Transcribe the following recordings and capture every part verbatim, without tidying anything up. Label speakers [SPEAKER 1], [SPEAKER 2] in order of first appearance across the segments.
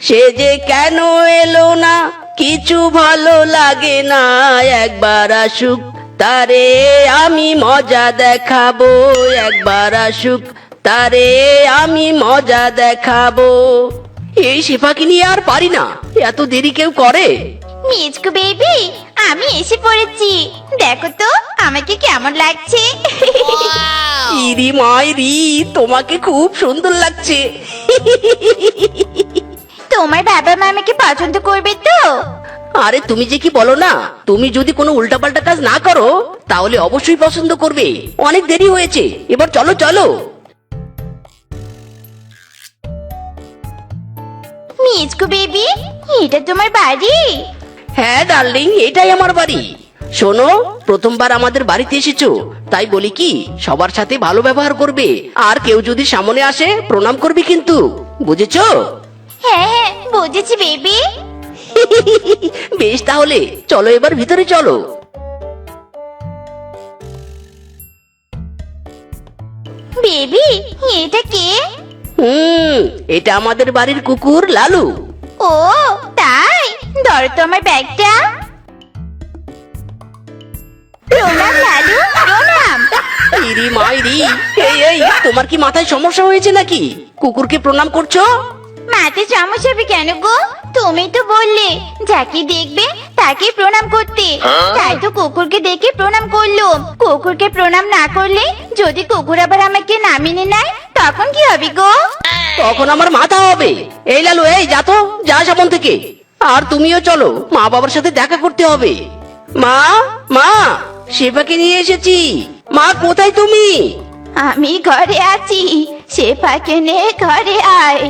[SPEAKER 1] সে যে কেন এলো না কিছু ভালো লাগে না, একবার আসুক তারে আমি মজা দেখাবো, একবার আসুক তারে আমি মজা দেখাবো। এই শেফাকে নিয়ে আর পারি না, এত দেরি কেউ করে?
[SPEAKER 2] মিচকু বেবি, আমি এসে পড়েছি। দেখো তো আমাকে কেমন লাগছে।
[SPEAKER 1] ইরি মাইরি, তোমাকে খুব সুন্দর লাগছে।
[SPEAKER 2] তোমার বাবা মা আমাকে পছন্দ করবে তো?
[SPEAKER 1] আরে তুমি যে কি বলো না, তুমি যদি কোনো উল্টাপাল্টা কাজ না করো তাহলে অবশ্যই পছন্দ করবে। অনেক দেরি হয়েছে, এবার চলো চলো।
[SPEAKER 2] মিচকু বেবি, এটা তোমার বাড়ি?
[SPEAKER 1] হ্যাঁ ডার্লিং, এটাই আমার বাড়ি। শোনো, প্রথমবার আমাদের বাড়িতে এসেছো, তাই বলি কি সবার সাথে ভালো ব্যবহার করবে, আর কেউ যদি সামনে আসে প্রণাম করবে কিন্তু, বুঝেছো?
[SPEAKER 2] হ্যাঁ হ্যাঁ বুঝেছি বেবি।
[SPEAKER 1] বেশ, তাহলে চলো এবার ভিতরে চলো।
[SPEAKER 2] বেবি, এটা কে?
[SPEAKER 1] হুম, এটা আমাদের বাড়ির কুকুর লালু।
[SPEAKER 2] ও তাই, ধরো তো আমার ব্যাগটা। প্রণাম লালু, প্রণাম।
[SPEAKER 1] ইরি মাইরি, এই এই তোমার কি মাথায় সমস্যা হয়েছে নাকি? কুকুরকে প্রণাম করছো?
[SPEAKER 2] মাতে সমস্যা হবে কেন গো? তুমি তো বললে যাকে দেখবে তাকে প্রণাম করতে, তাই তো কুকুরকে দেখে প্রণাম করলো। কুকুরকে প্রণাম না করলে যদি কুকুর আবার আমাকে নামিয়ে নেয় তখন কি হবে গো?
[SPEAKER 1] তখন আমার মাথা হবে। এই লালু, এই যা তো, যা সামন থেকে। আর তুমিও চলো, মা বাবার সাথে দেখা করতে হবে। মা, মা, শেফাকে নিয়ে এসেছি। মা, কোথায় তুমি?
[SPEAKER 2] আমি ঘরে আছি, শেফাকে নে ঘরে আয়।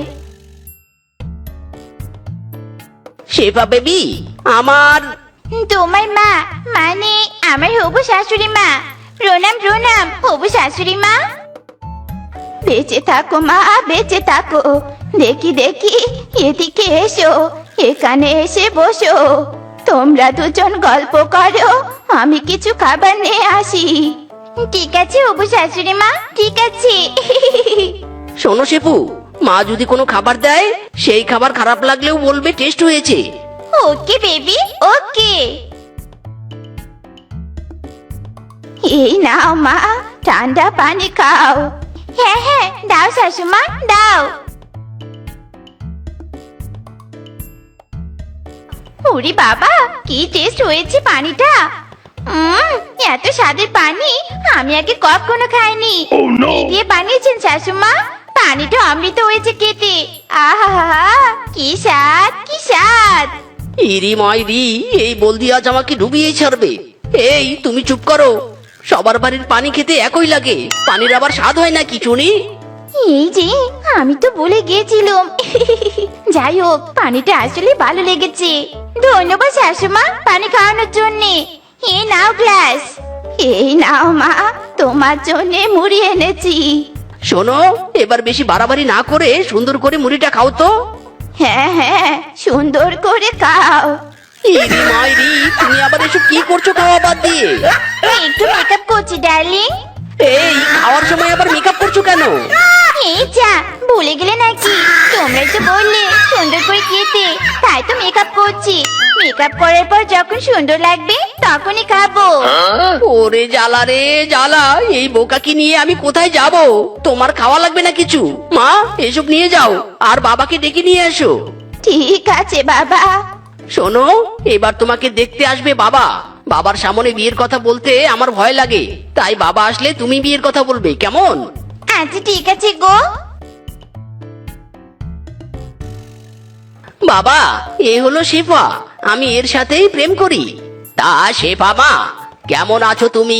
[SPEAKER 1] শেফা বেবি, আমার
[SPEAKER 2] তোমার মা মানে আমার হবু শাশুড়ি মা। প্রণাম প্রণাম হবু শাশুড়ি মা। বেঁচে থাকো মা, বেঁচে থাকো। দেখি দেখি, এদিকে এসো, এখানে এসে বসো। তোমরা দুজন গল্প করো, আমি কিছু খাবার নিয়ে আসি। ঠিক আছে হবু শাশুড়ি মা, ঠিক আছে।
[SPEAKER 1] শোনো শেফু, মা যদি কোনো খাবার দেয় সেই খাবার খারাপ লাগলেও বলবে টেস্ট হয়েছে।
[SPEAKER 2] Okay baby, okay. এই নাও মা, ঠান্ডা পানি খাও। হ্যাঁ হ্যাঁ দাও শাশুমা, দাও। ওরে বাবা, কি টেস্ট হয়েছে পানিটা। উম, এত স্বাদের পানি আমি আগে কখনো খাইনি। কি দিয়ে বানিয়েছেন শাশুমা? পানিটা অমৃত হয়েছে খেতে। আহা, কি স্বাদ, কি স্বাদ।
[SPEAKER 1] ইরি মাইরি, এই বলদি আজ আমাকে ডুবিয়েই ছাড়বে। এই তুমি চুপ করো, সবার বাড়ির পানি খেতে একই লাগে, পানির আবার স্বাদ হয় না কিছু নি।
[SPEAKER 2] এই যে আমি তো বলে গিয়েছিলাম। যাই হোক, পানিটা আসলে ভালো লেগেছে। ধন্যবাদ শাশুমা পানি খাওয়ানোর জন্য। এই নাও গ্লাস। এই নাও মা, তোমার জন্য মুড়ি এনেছি।
[SPEAKER 1] শোনো, এবার বেশি বাড়াবাড়ি না করে সুন্দর করে মুড়িটা খাও তো।
[SPEAKER 2] হ্যাঁ হ্যাঁ সুন্দর করে খাও।
[SPEAKER 1] ইরি মাইরি, তুমি আবার এসব কি করছো খাওয়া বাদ দিয়ে?
[SPEAKER 2] একটু মেকআপ করছি ডার্লিং।
[SPEAKER 1] এই খাওয়ার সময় আবার মেকআপ করছো কেন?
[SPEAKER 2] এই যা, ভুলে গেলে নাকি? তোমরাই তো বললে সুন্দর করে খেতে, তাই তো মেকআপ করছি। মেকআপ করার পর যখন সুন্দর লাগবে তখনই খাবো।
[SPEAKER 1] ওরে জ্বালা রে জ্বালা, এই বোকাকে নিয়ে আমি কোথায় যাব? তোমার খাওয়া লাগবে না কিছু, মা এসব নিয়ে যাও আর বাবাকে ডেকে নিয়ে এসো।
[SPEAKER 2] ঠিক আছে বাবা।
[SPEAKER 1] শোনো, এবার তোমাকে দেখতে আসবে বাবা। বাবার সামনে বিয়ের কথা বলতে আমার ভয় লাগে, তাই বাবা আসলে তুমি বিয়ের কথা বলবে, কেমন?
[SPEAKER 2] আচ্ছা ঠিক আছে গো।
[SPEAKER 1] বাবা, এ হলো শেফা, আমি এর সাথেই প্রেম করি। তা শেফা মা, কেমন আছো তুমি?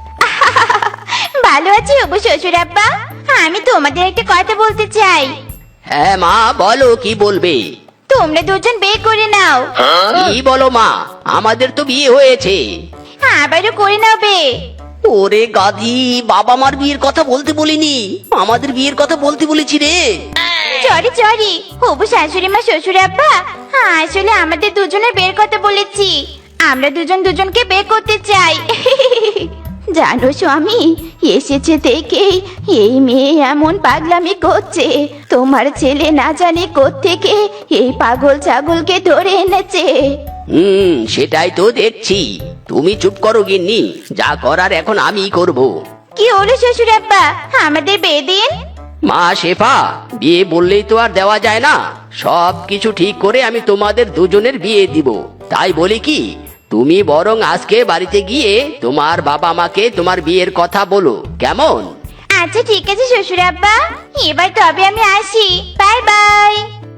[SPEAKER 2] ভালো আছি হবু শ্বশুর আব্বা। আমি তোমাদের একটা কথা বলতে চাই।
[SPEAKER 1] হ্যাঁ মা, বলো কি বলবে।
[SPEAKER 2] তোমরা দুজন বিয়ে করে নাও।
[SPEAKER 1] কি বলো মা, আমাদের তো বিয়ে হয়েছে।
[SPEAKER 2] আবারও করে নাও বে।
[SPEAKER 1] ওরে গাধি, বাবা মার বিয়ের কথা বলতে বলিনি, আমাদের বিয়ের কথা বলতে বলেছি রে।
[SPEAKER 2] সরি সরি হবু শাশুড়ি মা শ্বশুর আব্বা, আসলে আমাদের দুজনের বের কথা বলেছি। আমরা দুজন দুজনকে বিয়ে করতে চাই। জানো স্বামী, এসেছে দেখেই এই মেয়ে এমন পাগলামি করছে। তোমার ছেলে না জানি কোত্থেকে এই পাগল ছাগলকে ধরে এনেছে।
[SPEAKER 1] হুম, সেটাই তো দেখছি। তুমি চুপ করো গিন্নি, যা করার এখন আমিই করব।
[SPEAKER 2] কি হলো শ্বশুর আব্বা, আমাদের বিয়ে দিন।
[SPEAKER 1] মা শেফা, বিয়ে বললেই তো আর দেওয়া যায় না। সব কিছু ঠিক করে আমি তোমাদের দুজনের বিয়ে দিব। তাই বলি কি, তুমি বরং আজকে বাড়িতে গিয়ে তোমার বাবা মাকে তোমার বিয়ের কথা বলো, কেমন?
[SPEAKER 2] আচ্ছা ঠিক আছে শ্বশুর আব্বা, এবার তবে আমি আসি। Bye bye.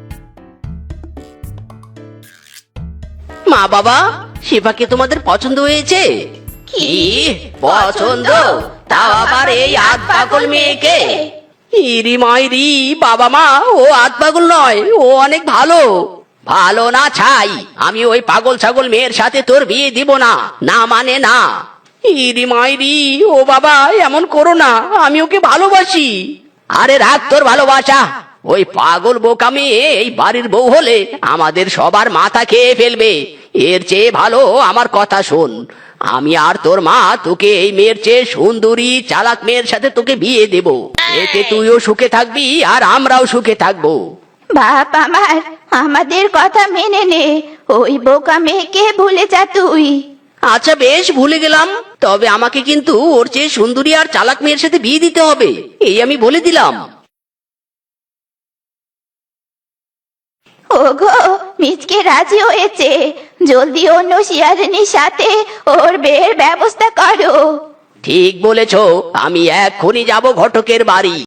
[SPEAKER 1] মা বাবা, শেফাকে তোমাদের পছন্দ হয়েছে? কি পছন্দ? তাও আবার এই আধ পাগল মেয়েকে? ইরি মাইরি, বাবা মা, ও আধ পাগল নয়, ও অনেক ভালো। ভালো না ছাই, আমি ওই পাগল ছাগল মেয়ের সাথে তোর বিয়ে দিব না। না মানে না। ইরি মাইরি, ও বাবা এমন করো না, আমি ওকে ভালোবাসি। আরে রাখ তোর ভালোবাসা। ওই পাগল বোকা মেয়ে এই বাড়ির বউ হলে আমাদের সবার মাথা খেয়ে ফেলবে। এর চেয়ে ভালো আমার কথা শোন, আমি আর তোর মা তোকে এই মেয়ের চেয়ে সুন্দরী চালাক মেয়ের সাথে তোকে বিয়ে দেব। এতে তুইও সুখে থাকবি আর আমরাও সুখে থাকবো।
[SPEAKER 2] বাপ আমার, আমাদের কথা মেনে নে, ওই বোকা মেয়েকে ভুলে যা তুই।
[SPEAKER 1] আচ্ছা বেশ, ভুলে গেলাম। তবে আমাকে কিন্তু ওর চেয়ে সুন্দরী আর চালাক মেয়ের সাথে বিয়ে দিতে হবে, এই আমি বলে দিলাম।
[SPEAKER 2] ওগো, মিচকে রাজি হয়েছে। জলদি অন্য শিয়ারিনীর সাথে ওর বিয়ের ব্যবস্থা করো।
[SPEAKER 1] ঠিক বলেছো, আমি এক্ষুনি যাব ঘটকের বাড়ি।